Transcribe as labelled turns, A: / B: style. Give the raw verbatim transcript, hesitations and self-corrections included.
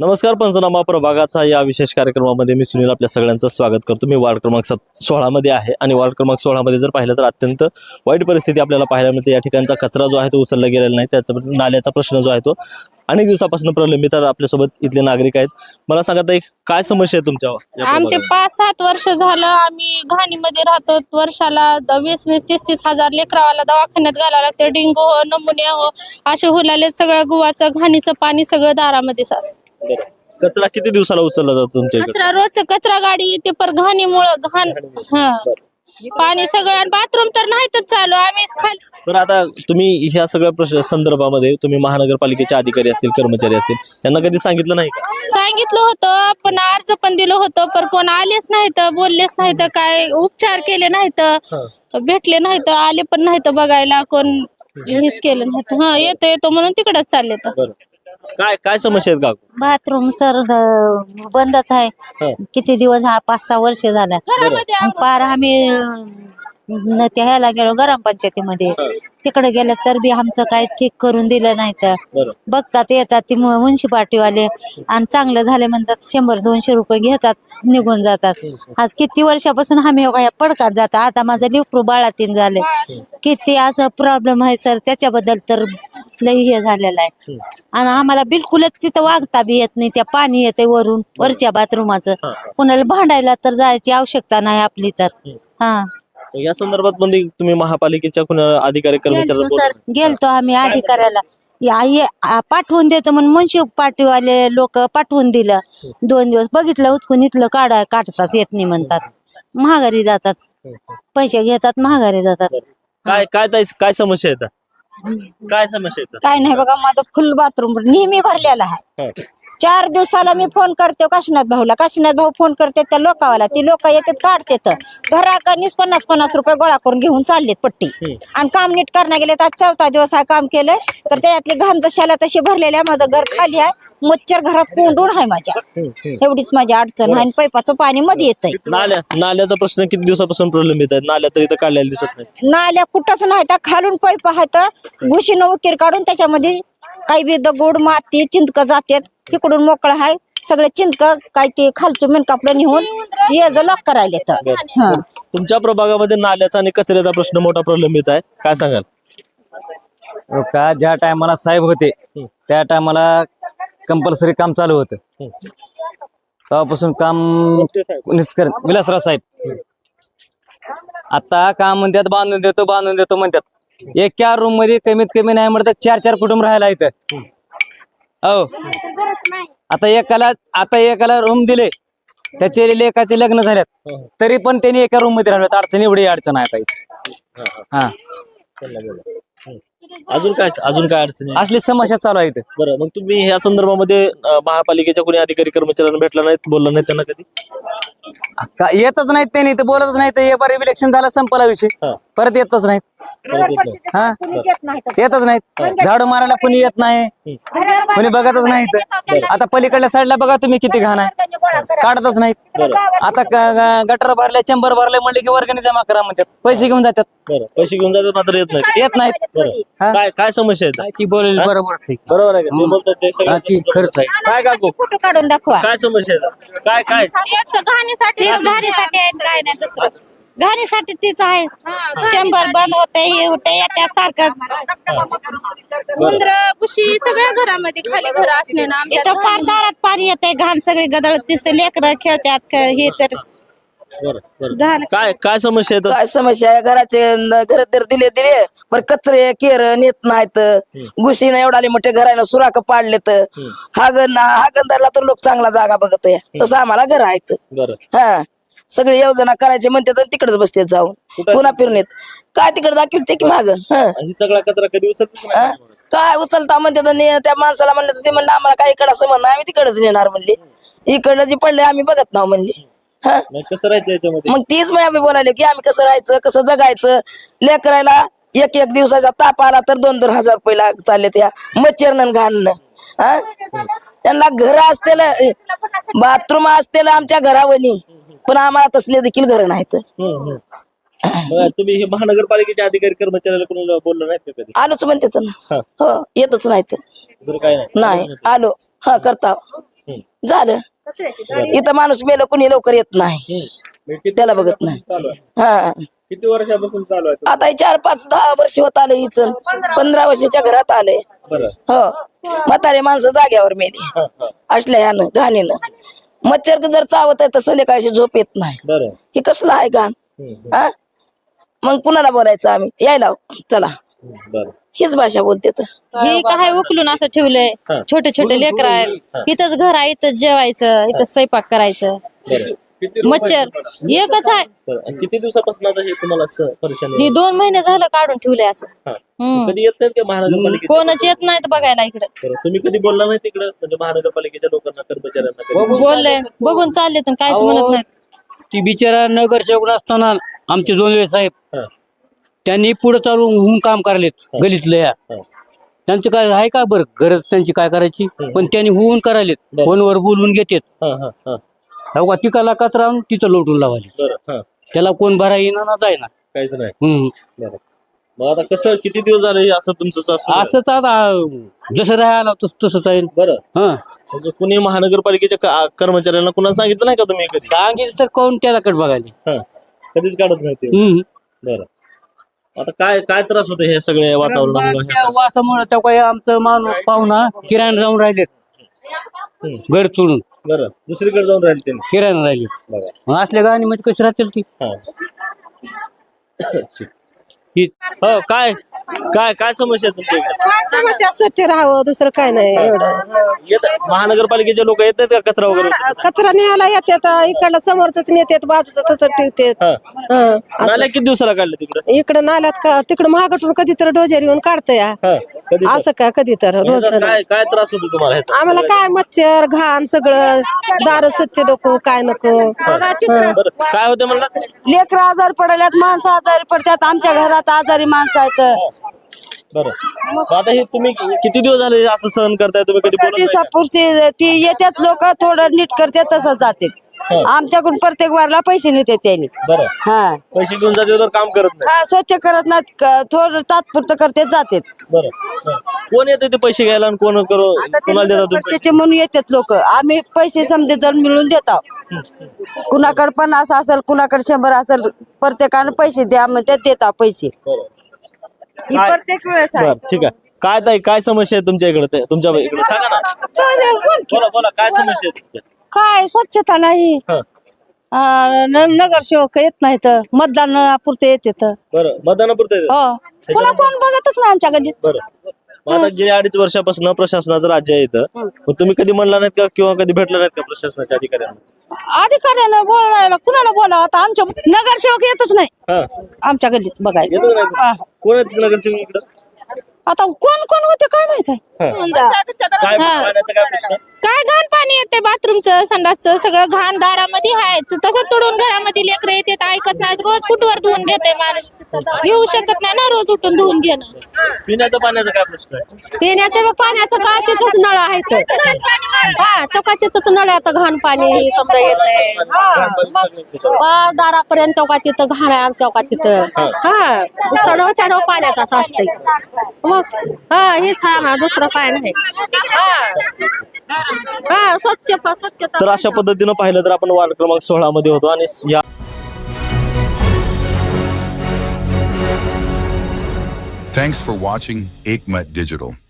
A: नमस्कार, पंचनामा प्रभागाचा या विशेष कार्यक्रमामध्ये मी सुनील आपल्या सगळ्यांचं स्वागत करतो। मी वार्ड क्रमांक सत सोळा मध्ये आहे आणि वार्ड क्रमांक सोळा मध्ये जर पाहिलं तर अत्यंत वाईट परिस्थिती आपल्याला पाहायला मिळते। या ठिकाणचा कचरा जो आहे तो उचलला गेलेला नाही, त्याचा नाल्याचा प्रश्न जो आहे तो अनेक दिवसापासून प्रलंबित आहे। आपल्यासोबत इथले नागरिक आहेत। मला सांगा ताई, काय समस्या आहे तुमच्या?
B: आमचे पाच सात वर्ष झालं आम्ही घाणीमध्ये राहतो। वर्षाला वीस वीस तीस तीस हजार लेकरावाला दवाखान्यात घालायला लागते। डेंगू हो, नमुनिया हो, असे हुलाले सगळं गुवाचं घाणीचं पाणी सगळं दारामध्ये साचतं।
A: कचरा किती दिवसाला उचलला जातो तुमच्या इकडे?
B: कचरा रोज कचरा गाडी येते, पर घाणीमुळे घाण हा पाणी सगळं, बाथरूम तर नाहीतच चालू। आम्ही खाली
A: तर आता तुम्ही ह्या सगळ्या प्रश्न संदर्भामध्ये तुम्ही महानगरपालिकेचे अधिकारी असतील, कर्मचारी असतील, यांना कधी सांगितलं नाही का?
B: सांगितलं होतं, पण अर्ज पण दिलं होतं, पण कोण आलेच नाहीत, बोललेच नाहीत, काय उपचार केले नाहीत, भेटले नाहीत, आले पण नाहीत बघायला, कोण हेच केलं नाहीत। हा येतो येतो म्हणून तिकडच चालले तर।
A: काय काय समस्या आहेत का?
C: बाथरूम सर बंदच आहे। किती दिवस, हा पाच सहा वर्ष झाला। पार आम्ही न त्या ह्याला गेलो गरम पंचायतीमध्ये, तिकडे गेलं तर बी आमचं काही ठीक करून दिलं नाही। तर बघतात येतात ती म्युन्सिपाल्टीवाले आणि चांगलं झाले म्हणतात, शंभर दोनशे रुपये घेतात, निघून जातात। आज किती वर्षापासून आम्ही पडकात जातात। आता माझं लेकरू बाळातीन झाले, किती असं प्रॉब्लेम आहे सर, त्याच्याबद्दल तर लई हे झालेलं आहे। आणि आम्हाला बिलकुलच तिथं वागता बी येत नाही, त्या पाणी येते वरून वरच्या बाथरूमाचं, कुणाला भांडायला तर जायची आवश्यकता नाही आपली तर। हा
A: या संदर्भात मध्ये तुम्ही महापालिकेच्या कुणा अधिकारी कर्मचाऱ्यांना
C: सर गेलतो आम्ही अधिकाऱ्याला, या- ये- आ- पाठवून देतो म्हणून म्युन्सिपाल्टीवाले लोक पाठवून दिलं। दोन दिवस बघितलं, उचकून इथलं काढा काढताच येत नाही म्हणतात, महागारी जातात, पैसे घेतात, महागारी जातात।
A: काय काय ताई, काय समस्या येतात? काय समस्या येतात?
D: काय नाही बघा, माझं फुल बाथरूम नेहमी भरलेला आहे। चार दिवसाला मी फोन करते काशीनाथ भाऊला, काशीनाथ भाऊ फोन करते त्या लोकावाला, ती लोक येतात काढतात घराकडनीच पन्नास पन्नास रुपये गोळा करून घेऊन चाललेत पट्टी, आणि काम नीट करण्या गेले। आज चौथा दिवस हा काम केलंय, तर त्यातली घाण जशाला तशी भरलेली आहे। माझं घर खाली आहे, मच्छर घरात कोंडून आहे माझ्या, एवढीच माझी अडचण आहे। आणि पैपाचं पाणी मध्ये येतंय।
A: नाल्या नाल्याचा प्रश्न किती दिवसापासून प्रलंबित आहे? नाल्या तर इथं काढलेला दिसत नाही।
D: नाल्या कुठंच नाही, त्या खालून पैप आहेत, घुशीनं उकीर काढून त्याच्यामध्ये काही बी दगड माती चिंतक जातात, इकडून मोकळं आहे सगळे चिंतक, काय ते खालचे मेनकापडे निघून ये लॉक करायला तर।
A: तुमच्या प्रभागामध्ये नाल्याचा आणि कचऱ्याचा प्रश्न मोठा प्रलंबित आहे, काय सांगाल?
E: का ज्या टायमाला साहेब होते त्या टायमाला कंपल्सरी काम चालू होतं, तेव्हापासून काम निष्कर विलासराव साहेब आता काम म्हणतात बांधून देतो बांधून देतो म्हणतात। एका रूम मध्ये कमीत कमी नाही म्हणतात चार चार कुटुंब राहायला इथं। हो, आता एकाला आता एकाला रूम दिले, त्याचे लेकाचे लग्न झाल्यात, तरी पण त्यांनी एका रूम मध्ये राहिल्यात। अडचण एवढी अडचण आहे काही। हा,
A: अजून काय अजून काय अडचणी?
E: असली समस्या चालू आहे इथं।
A: बरं, मग तुम्ही ह्या संदर्भामध्ये अं, महापालिकेच्या कोणी अधिकारी कर्मचाऱ्यांना भेटला नाहीत, बोलला नाही त्यांना कधी?
E: का येतच नाहीत त्यांनी, ते बोलतच नाहीत। एक बार इलेक्शन झालं, संपला विषय, परत येतच नाहीत। हा, येतच नाहीत, झाडू मारायला कोणी येत नाही, कोणी बघतच नाहीत। आता पलीकडल्या साईडला बघा तुम्ही किती घाण आहे, काढतच नाहीत। आता गटर भरले, चेंबर भरले म्हणले की वर्गणी जमा करा म्हणतात, पैसे घेऊन जातात।
A: बरं, पैसे घेऊन जातात मात्र येत नाही,
E: येत नाहीत।
A: बरं, काय काय समस्या येतात?
E: की बोलेल बरोबर ठीक,
A: बरोबर आहे का? ते बोलतात ते सगळं
E: खर्च आहे।
A: काय काकू,
D: फोटो काढून दाखवा।
A: काय समस्या येतात? काय काय
B: घाणीसाठी घाणीसाठी आहे, काय नाही दुसरं, घाणीसाठी तीच आहे। चेंबर बंद होते, हे होते, त्या सारखं उंदर घुशी सगळ्या घरामध्ये, खाली घर असले ना इथं पार दारात पाणी येते, घाण सगळी गदळत दिसते, लेकरं खेळतात हे तर
A: बरं बरं, काय काय समस्या येतात?
F: काय समस्या आहे? घराचे घर तर दिले दिले, पण कचरे केर नेत नाहीत, घुशीनं एवढाले मोठे घरानं सुराख पाडलेत। हागण हागणदारला तर लोक चांगला जागा बघत आहे, तसं आम्हाला घर आहेत।
A: बरं,
F: हा, सगळे योजना करायचे म्हणतात आणि तिकडेच बसतात जाऊन, पुन्हा फिरून येत काय तिकडे दाखवते की माग।
A: आणि सगळा कचरा कधी उचलत नाही?
F: काय उचलता म्हणतात, आणि त्या माणसाला म्हणलं तर ते म्हणलं आम्हाला काय इकडं असं म्हणणं, आम्ही तिकडेच नेणार म्हणले, इकडं जे पडले आम्ही बघत नाव म्हणले। हा,
A: नाही, कसं राहायचं याच्यामध्ये?
F: मग तीच मग आम्ही बोलायलो की आम्ही कसं राहायचं, कसं जगायचं। लेकरायला एक एक दिवसाचा ताप आला तर दोन दोन हजार रुपये चालले त्या मच्छरनं घाणनं। हा, त्यांना घर असतेल, बाथरूम असतेल आमच्या घरावनी, पण आम्हाला तसले देखील घर नाहीत।
A: बरं, तुम्ही हे महानगरपालिकेच्या अधिकारी कर्मचाऱ्याला कोणी बोललं नाही का कधी?
F: आलोच म्हणते ना, हो येतच नाहीत,
A: दुसरं काय नाही?
F: नाही आलो हा करता। झालं. इथं माणूस मेलं कुणी लवकर येत नाही, त्याला बघत नाही.
A: चालू आहे.
F: हा
A: किती वर्षापासून चालू आहे
F: आता हे चार पाच दहा वर्ष होत आले हिच पंधरा वर्षाच्या घरात आले.
A: बरं
F: हो म्हातारे माणसं जाग्यावर मेली
A: हा, हा.
F: असल्या यानं घाणीनं. मच्छर जर चावत आहे तर संध्याकाळची झोप येत नाही.
A: बरं
F: हे कसलं आहे घाण.
A: हम्म,
F: हा मग कुणाला बोलायचं आम्ही, यायला चला
A: हम्म. बरं
F: हीच भाषा बोलते तर.
B: हे काय उकलून असं ठेवलंय,
A: हा.
B: छोटे छोटे लेकर आहेत, इथंच घर आहे, इथंच जेवायचं, इथंच स्वयंपाक करायचं.
A: बरं
B: मच्छर एकच आहे.
A: बरं. आणि किती दिवसापासून आता हे तुम्हाला असं परेशानी
B: हे दोन महिने झालं काढून ठेवलंय असं.
A: हा.
B: हम्म.
A: कधी येत नाहीत का महानगरपालिकेचे?
B: कोणच येत नाहीत बघायला इकडे.
A: बरं. तुम्ही कधी बोलला नाही तिकडं म्हणजे महानगरपालिकेच्या लोकांना कर्मचाऱ्यांना कधी?
B: बोलले बघून चालले तर काहीच म्हणत नाहीत.
G: ती बिचारा नगरसेवक असताना आमचे दोनवे साहेब
A: हा.
G: त्यांनी पुढे चालून होऊन काम करायलेत गलीतलं या.
A: हा.
G: त्यांचं काय आहे का बरं गरज त्यांची काय करायची, पण त्यांनी होऊन करायलेत.
A: बरं.
G: फोनवर बोलून घेतात.
A: हा, हा, हा.
G: हो का तिकाला कचरा आणून तिथं लोटून लावायले.
A: बरं हा.
G: त्याला कोण भरा येणार ना जायना.
A: काहीच नाही.
G: हम्म.
A: बरं. मग आता कसं किती दिवस झाले हे असं तुमचं चालू आहे?
G: असंच आता जसं राहायला तस तसंच आहे.
A: बरं
G: हा
A: म्हणजे कुणी महानगरपालिकेच्या क- कर्मचाऱ्यांना कुणा सांगितलं नाही का तुम्ही कधी?
G: सांगितलं तर कोण त्याला कट बघायला.
A: हा. कधीच काढत नाही ते.
G: हम्म.
A: बरं आता काय काय त्रास होते हे सगळे वातावरणामुळे?
G: त्या वासामुळे त्या काही आमचं माणूस पाहुणा किराणा जाऊन राहिलेत
A: हम्म.
G: घर सोडून
A: बरं दुसरीकडे जाऊन राहिले त्यांनी.
G: किराणा राहिले.
A: बघा
G: मग असल्या गाणी मध्ये कशी राहतील ती.
A: हा.
G: हीच
A: हो काय काय काय समस्या आहे तुमच्या इकडे?
H: काय समस्या स्वच्छ राहावं दुसरं काय नाही एवढं.
A: येत महानगरपालिकेचे लोक येतात का कचरा वगैरे?
H: कचरा न्यायला येतात इकडलं समोरच नेतात बाजूचं तसं ठेवतात.
A: हा.
H: हं.
A: नाल्या किती दिवसाला काढले तिकडे?
H: इकडं नाल्याच का तिकडं महागटून कधी तर डोजर येऊन काढतंय हा.
A: हा. कधी तर?
H: असं का कधी तर रोज
A: ह्याचा काय काय त्रास होतो तुम्हाला ह्याचा?
H: आम्हाला काय मच्छर घाण सगळं दार स्वच्छ नको काय नको.
A: बरं काय होते म्हणलं?
D: लेकर आजारी पडल्यात, माणसं आजारी पडतात, आमच्या घरात आजारी माणसं आहेत.
A: बरं मग आता हे तुम्ही किती दिवस झाले असं सहन करताय? तुम्ही कधी बोलत नाही का?
D: दिवसापुरती ती येतात लोक थोडं नीट करतात तसं जाते. आमच्याकडून प्रत्येक वारला पैसे नेते त्यांनी.
A: बरं
D: हा
A: पैसे घेऊन जाते तर काम करत नाही.
D: हा स्वच्छ करत नाहीत, क- थोडं तात्पुरतं करते जाते.
A: बरं हा. कोण येते ते पैसे घ्यायला आणि कोण करू कोणाला देतात तुम्ही?
D: त्याचे म्हणून येतात लोक. आम्ही पैसे समजे जर मिळून देतो. कुणाकडे पन्नास असेल कुणाकडे शंभर असेल प्रत्येकाने पैसे द्या म्हणते देता पैसे.
A: बरं
D: ही
A: काय-
D: प्रत्येक वेळेस आहे.
A: बरं ठीक आहे. काय ताई काय समस्या आहे तुमच्या इकडे ते- तुमच्या इकडे सांगा ना. बोला बोला काय समस्या आहे तुमच्या?
H: काय स्वच्छता नाही.
A: हा.
H: अं, न- नगरसेवक येत नाहीत, मतदान पुरते येतात.
A: बरं मतदानापुरतं येतं?
H: हो पुन्हा कोण बघतच नाही आमच्या गल्लीत.
A: बरं मग आता गेल्या अडीच वर्षापासून प्रशासनाचं राज्य आहे इथं. मग तुम्ही कधी म्हणला नाहीत का किंवा कधी भेटला नाहीत का प्रशासनाच्या अधिकाऱ्यांना?
H: अधिकाऱ्यानं बोलायला कुणाला बोलावं आता आमच्या नगरसेवक येतच नाही
A: हा
H: आमच्या गल्लीत बघायला.
A: येतो नाही कोण आहेत नगरसेवक इकडं?
H: आता कोण कोण होते काय माहित आहे.
A: काय पाण्याचा काय प्रश्न?
B: काय घाण पाणी येते बाथरूमचं संडासचं सगळं घाण दारामध्ये आहे तसं तुडून घरामध्ये लेकरं येतात ऐकत नाहीत. रोज कुठवर धुवून घेते माणूस, घेऊ शकत नाही ना रोज उठून धुवून घेणं.
A: पिण्याचा पाण्याचा काय प्रश्न आहे?
H: पिण्याच्या पाण्याचं काय तिथंच नळ आहेत. हा तो काय तिथंच नळ आहे, आता घाण पाणी समजा येतंय. हा दारापर्यंत का तिथं घाण आहे आमच्या का तिथं. हा चढव चढव पाण्याचा असं असतंय मग. हा हेच आहे ना दुसरं काय नाही. हा हा स्वच्छ स्वच्छता.
A: तर अशा पद्धतीनं पाहिलं तर आपण वार्ड क्रमांक सोळा मध्ये होतो आणि या
I: Thanks for watching Ekmat Digital.